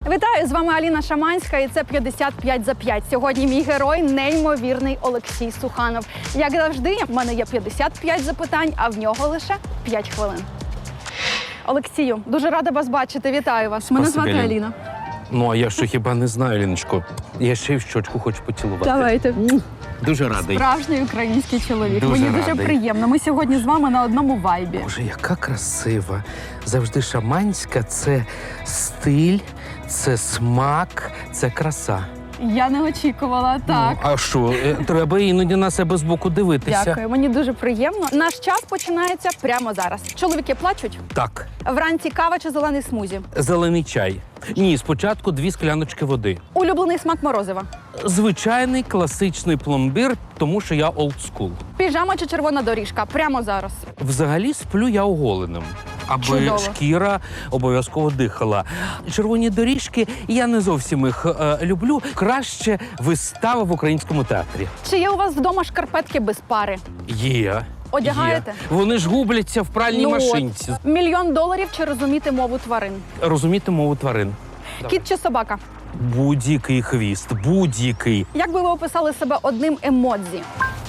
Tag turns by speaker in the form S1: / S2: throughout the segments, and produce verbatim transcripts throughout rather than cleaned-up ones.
S1: Вітаю, з вами Аліна Шаманська і це п'ятдесят п'ять за п'ять. Сьогодні мій герой – неймовірний Олексій Суханов. Як завжди, в мене є п'ятдесят п'ять запитань, а в нього лише п'ять хвилин. Олексію, дуже рада вас бачити. Вітаю вас. Мене
S2: Спасибі,
S1: звати
S2: Аліна.
S1: Аліна.
S2: Ну, а я що хіба не знаю, Ліночко. Я ще й в щочку хочу поцілувати.
S1: Давайте.
S2: Дуже радий.
S1: Справжній український чоловік.
S2: Дуже
S1: Мені дуже
S2: радий.
S1: приємно. Ми сьогодні з вами на одному вайбі.
S2: Боже, яка красива. Завжди шаманська – це стиль, це смак, це краса.
S1: Я не очікувала, так.
S2: Ну, а що, е, треба іноді на себе збоку дивитися.
S1: Дякую, мені дуже приємно. Наш час починається прямо зараз. Чоловіки плачуть?
S2: Так,
S1: Вранці кава чи зелений смузі?
S2: зелений чай. Ні, спочатку дві скляночки води.
S1: Улюблений смак морозива?
S2: Звичайний класичний пломбір, тому що я олдскул.
S1: Піжама чи червона доріжка? Прямо зараз.
S2: Взагалі сплю я оголеним, аби
S1: Чудово.
S2: шкіра обов'язково дихала. Червоні доріжки, я не зовсім їх е, люблю. Краще вистава в українському театрі.
S1: Чи є у вас вдома шкарпетки без пари?
S2: Є.
S1: Одягаєте?
S2: Є. Вони ж губляться в пральній
S1: Ну от.
S2: машинці.
S1: Мільйон доларів чи розуміти мову тварин?
S2: Розуміти мову тварин.
S1: Кіт чи собака?
S2: Будь-який хвіст, будь-який.
S1: Як би ви описали себе одним емодзі?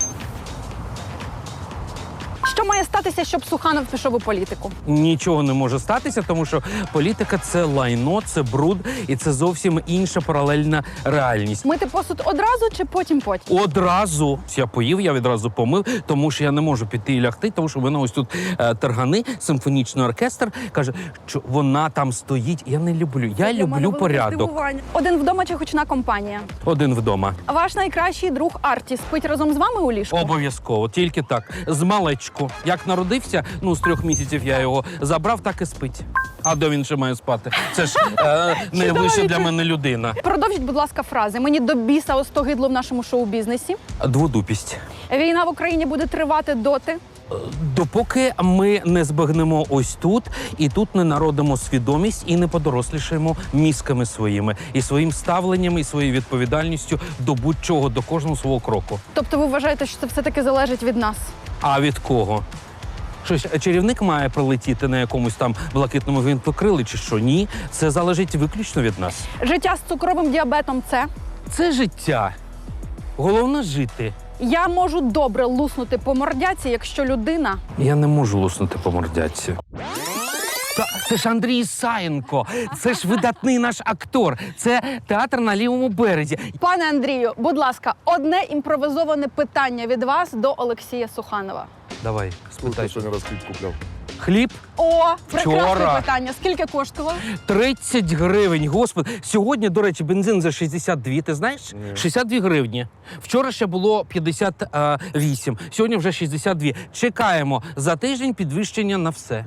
S1: Що має статися, щоб Суханов пішов у політику?
S2: Нічого не може статися, тому що політика – це лайно, це бруд, і це зовсім інша паралельна реальність.
S1: Мити посуд одразу чи потім-потім?
S2: Одразу я поїв, я відразу помив, тому що я не можу піти і лягти, тому що в мене ось тут е, тергани, симфонічний оркестр каже, що вона там стоїть. Я не люблю. Я люблю порядок.
S1: Один вдома чи гучна компанія?
S2: Один вдома.
S1: Ваш найкращий друг Арті спить разом з вами у ліжку?
S2: Обов'язково, тільки так. З малечку. Як народився, ну з трьох місяців я його забрав, так і спить. А де він ще має спати? Це ж е, найвища для мене людина.
S1: Продовжіть, будь ласка, фрази. Мені до біса остогидло в нашому шоу-бізнесі.
S2: Дводупість.
S1: Війна в Україні буде тривати доти.
S2: Допоки ми не збагнемо ось тут, і тут не народимо свідомість, і не подорослішаємо мізками своїми, і своїм ставленням, і своєю відповідальністю до будь-чого, до кожного свого кроку.
S1: Тобто ви вважаєте, що це все-таки залежить від нас?
S2: А від кого? Щось чарівник має прилетіти на якомусь там блакитному гвинтокрилі чи що? Ні, це залежить виключно від нас.
S1: Життя з цукровим діабетом – це?
S2: Це життя. Головне – жити.
S1: Я можу добре луснути по мордяці, якщо людина...
S2: Я не можу луснути по мордяці. Та, це ж Андрій Ісаєнко, це ж видатний наш актор, це театр на лівому березі.
S1: Пане Андрію, будь ласка, одне імпровизоване питання від вас до Олексія Суханова.
S2: Давай,
S3: Сколько
S2: спитай.
S3: сегодня раз хлеб куплял?
S2: Хліб
S1: О, прекрасне
S2: Вчора.
S1: питання. Скільки коштувало?
S2: тридцять гривень, господи. Сьогодні, до речі, бензин за шістдесят два, ти знаєш?
S3: Ні.
S2: шістдесят дві гривні. Вчора ще було п'ятдесят вісім, сьогодні вже шістдесят два. Чекаємо за тиждень підвищення на все.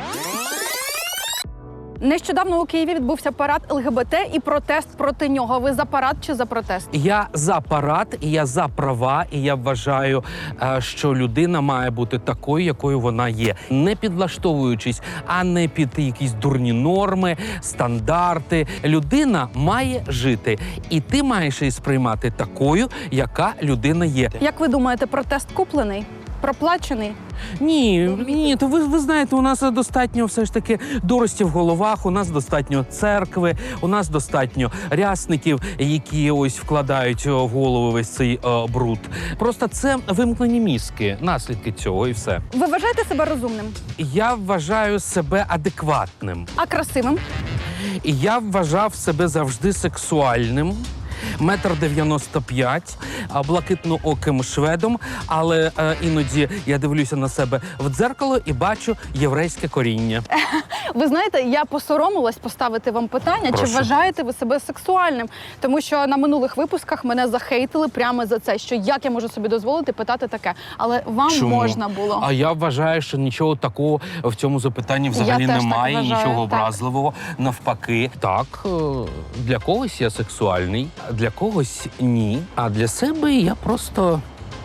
S1: Нещодавно у Києві відбувся парад ел ге бе те і протест проти нього. Ви за парад чи за протест?
S2: Я за парад, і я за права, і я вважаю, е, що людина має бути такою, якою вона є. Не підлаштовуючись, а не під якісь дурні норми, стандарти. Людина має жити, і ти маєш її сприймати такою, яка людина є.
S1: Як ви думаєте, протест куплений? Проплачений?
S2: Ні, ні, то ви, ви знаєте, у нас достатньо все ж таки дурості в головах, у нас достатньо церкви, у нас достатньо рясників, які ось вкладають в голову весь цей е, бруд. Просто це вимкнені мізки, наслідки цього і все.
S1: Ви вважаєте себе розумним?
S2: Я вважаю себе адекватним.
S1: А красивим?
S2: І я вважав себе завжди сексуальним. Метр дев'яносто п'ять, а, блакитнооким шведом, але е, іноді я дивлюся на себе в дзеркало і бачу єврейське коріння.
S1: Ви знаєте, я посоромилась поставити вам питання,
S2: Прошу.
S1: чи вважаєте ви себе сексуальним? Тому що на минулих випусках мене захейтили прямо за це, що як я можу собі дозволити питати таке. Але вам
S2: Чому?
S1: можна було.
S2: А я вважаю, що нічого такого в цьому запитанні взагалі
S1: Я теж так
S2: немає,
S1: вважаю,
S2: нічого
S1: так.
S2: образливого. Навпаки, так, е, для когось я сексуальний, для когось ні. А для себе я просто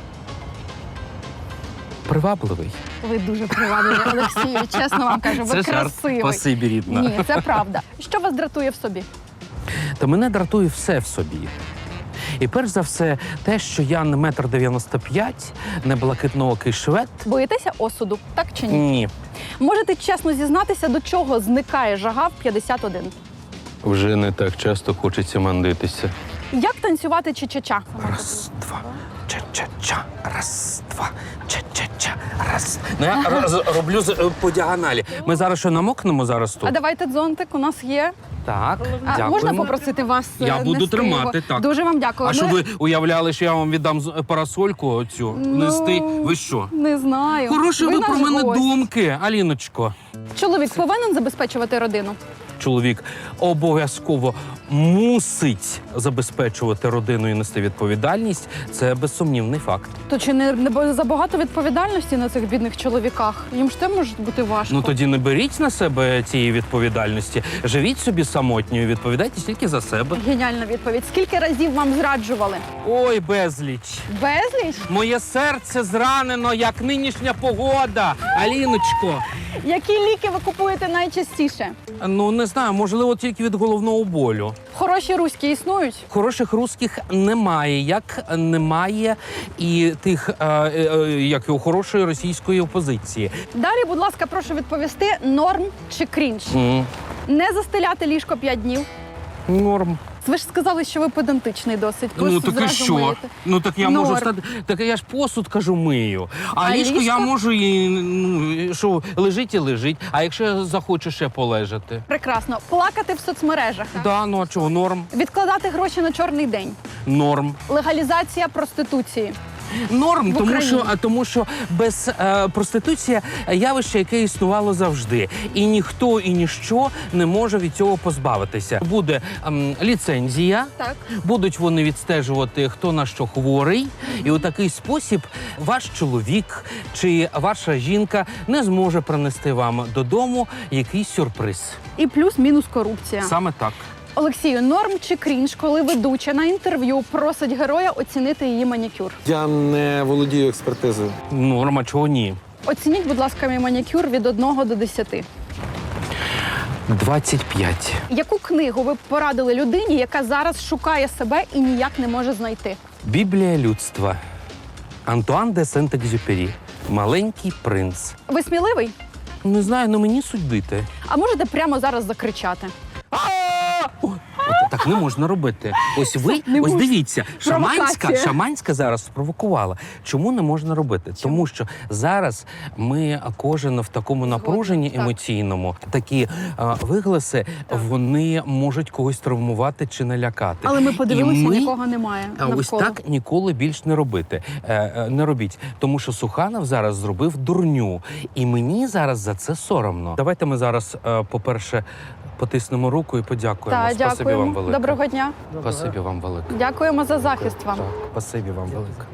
S2: привабливий.
S1: Ви дуже привабливі, Олексію, чесно вам кажу, ви
S2: Це жарт.
S1: красивий.
S2: Спасибі, рідна.
S1: Ні, це правда. Що вас дратує в собі?
S2: Та мене дратує все в собі. І перш за все, те, що я не метр дев'яносто п'ять, не блакитноокий швед.
S1: Боїтеся осуду, так чи ні?
S2: Ні.
S1: Можете чесно зізнатися, до чого зникає жага в п'ятдесят один?
S2: Вже не так часто хочеться мандитися.
S1: Як танцювати ча-ча-ча?
S2: Раз, два, ча-ча-ча, раз, два, ча-ча-ча, раз. Ну, я роз- роблю з- по діагоналі. Ми зараз що, намокнемо зараз
S1: А
S2: тут?
S1: давайте дзонтик, у нас є.
S2: Так,
S1: А,
S2: дякуємо.
S1: можна попросити вас е,
S2: Я буду
S1: нести
S2: тримати,
S1: його?
S2: так.
S1: Дуже вам дякую.
S2: А що
S1: Ми-
S2: ви уявляли, що я вам віддам з- парасольку оцю
S1: Ну,
S2: нести? Ви що?
S1: Не знаю.
S2: Хороші ви про
S1: наш
S2: мене
S1: гость.
S2: думки, Аліночко.
S1: Чоловік повинен забезпечувати родину?
S2: Чоловік обов'язково мусить забезпечувати родину і нести відповідальність. Це безсумнівний факт.
S1: То чи не, не забагато відповідальності на цих бідних чоловіках? Їм ж те може бути важко.
S2: Ну тоді не беріть на себе цієї відповідальності. Живіть собі самотньою, відповідайте тільки за себе.
S1: Геніальна відповідь. Скільки разів вам зраджували?
S2: Ой, безліч.
S1: Безліч?
S2: Моє серце зранено, як нинішня погода. Аліночко.
S1: Які ліки ви купуєте найчастіше?
S2: Ну не знаю, можливо, тільки від головного болю.
S1: Хороші руські існують?
S2: Хороших русських немає, як немає і тих, е, е, як і у хорошої російської опозиції.
S1: Далі, будь ласка, прошу відповісти, норм чи крінж?
S2: М,
S1: Не застеляти ліжко п'ять днів.
S2: Норм.
S1: Ви ж сказали, що ви педантичний досить. Ви
S2: Ну так і
S1: зразу
S2: що?
S1: миєте.
S2: Ну так я
S1: Норм.
S2: можу стати. Так я ж посуд кажу мию. А,
S1: А
S2: ліжко, я
S1: ліжко?
S2: можу і ну, що лежить і лежить. А якщо я захочу ще полежати?
S1: Прекрасно. Плакати в соцмережах.
S2: Да, ну а чого? Норм.
S1: Відкладати гроші на чорний день.
S2: Норм.
S1: Легалізація проституції.
S2: Норм,
S1: В
S2: тому
S1: Україні.
S2: що, а, тому що без е, проституція явище, яке існувало завжди. І ніхто і ніщо не може від цього позбавитися. Буде ем, ліцензія,
S1: Так.
S2: будуть вони відстежувати, хто на що хворий. І у такий спосіб ваш чоловік чи ваша жінка не зможе принести вам додому якийсь сюрприз.
S1: І плюс-мінус корупція.
S2: Саме так.
S1: Олексію, норм чи крінж, коли ведуча на інтерв'ю просить героя оцінити її манікюр?
S3: Я не володію експертизою.
S2: Норма, чого ні?
S1: Оцініть, будь ласка, мій манікюр від одного до десяти.
S2: двадцять п'ять.
S1: Яку книгу ви б порадили людині, яка зараз шукає себе і ніяк не може знайти?
S2: Біблія людства. Антуан де Сент-Екзюпері. Маленький принц.
S1: Ви сміливий?
S2: Не знаю, ну мені судити.
S1: А можете прямо зараз закричати?
S2: О, от так не можна робити. Ось ви,
S1: Не
S2: ось
S1: можна.
S2: дивіться, Шаманська,
S1: Провокація.
S2: Шаманська зараз спровокувала. Чому не можна робити? Тому що зараз ми кожен в такому напруженні
S1: так.
S2: емоційному, такі а, вигласи, вони можуть когось травмувати чи налякати.
S1: Але ми подивилися,
S2: І ми-
S1: нікого немає
S2: А ось
S1: навколо.
S2: так ніколи більш не робити. Е, е, не робіть. Тому що Суханов зараз зробив дурню. І мені зараз за це соромно. Давайте ми зараз, е, по-перше, потиснемо руку і подякуємо.
S1: Так,
S2: Спасибі
S1: дякуємо.
S2: вам велике.
S1: Доброго дня.
S2: Спасибі вам велике.
S1: Дякуємо за захист вам.
S2: Так, спасибі вам велике.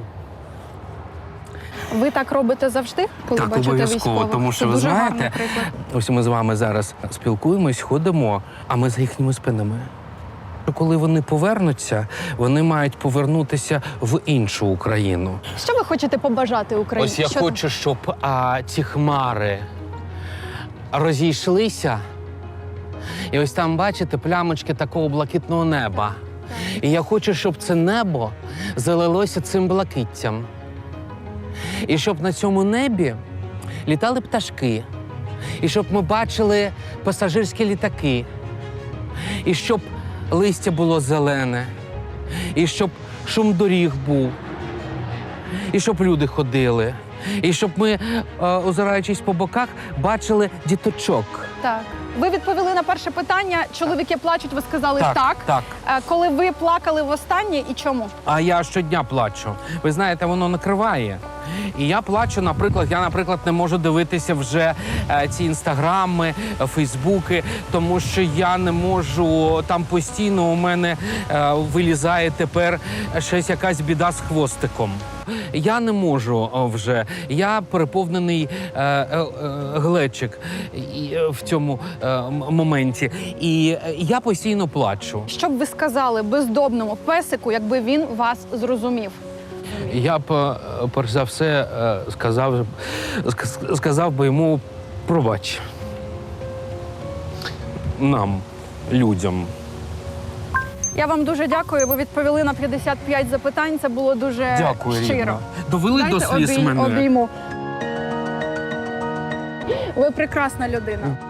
S1: Ви так робите завжди, коли
S2: Так,
S1: бачите
S2: обов'язково,
S1: військових?
S2: тому
S1: Це
S2: що ви
S1: дуже
S2: знаєте,
S1: гарний приклад.
S2: ось ми з вами зараз спілкуємось, ходимо, а ми за їхніми спинами. Коли вони повернуться, вони мають повернутися в іншу Україну.
S1: Що ви хочете побажати Україні?
S2: Ось я
S1: Що
S2: хочу, щоб а, ці хмари розійшлися. І ось там, бачите, плямочки такого блакитного неба. І я хочу, щоб це небо залилося цим блакиттям. І щоб на цьому небі літали пташки. І щоб ми бачили пасажирські літаки. І щоб листя було зелене. І щоб шум доріг був. І щоб люди ходили. І щоб ми, е, озираючись по боках, бачили діточок.
S1: Так. Ви відповіли на перше питання. Чоловіки плачуть, ви сказали так.
S2: Так, так.
S1: Е, Коли ви плакали востаннє і чому?
S2: А я щодня плачу. Ви знаєте, воно накриває. І я плачу, наприклад, я, наприклад, не можу дивитися вже е, ці інстаграми, е, фейсбуки, тому що я не можу, там постійно у мене е, вилізає тепер щось якась біда з хвостиком. Я не можу о, вже. Я переповнений е, е, е, глечик і, е, в цьому е, м- моменті. І е, я постійно плачу.
S1: Що б ви сказали бездомному песику, якби він вас зрозумів?
S2: Я б, е, перш за все, е, сказав, ск- сказав би йому пробач. Нам, людям.
S1: Я вам дуже дякую. Ви відповіли на п'ятдесят п'ять запитань. Це було дуже
S2: Дякую,
S1: щиро.
S2: Рівна. Довели
S1: Дайте
S2: до сліз
S1: обій-
S2: мене.
S1: обійму. Ви прекрасна людина.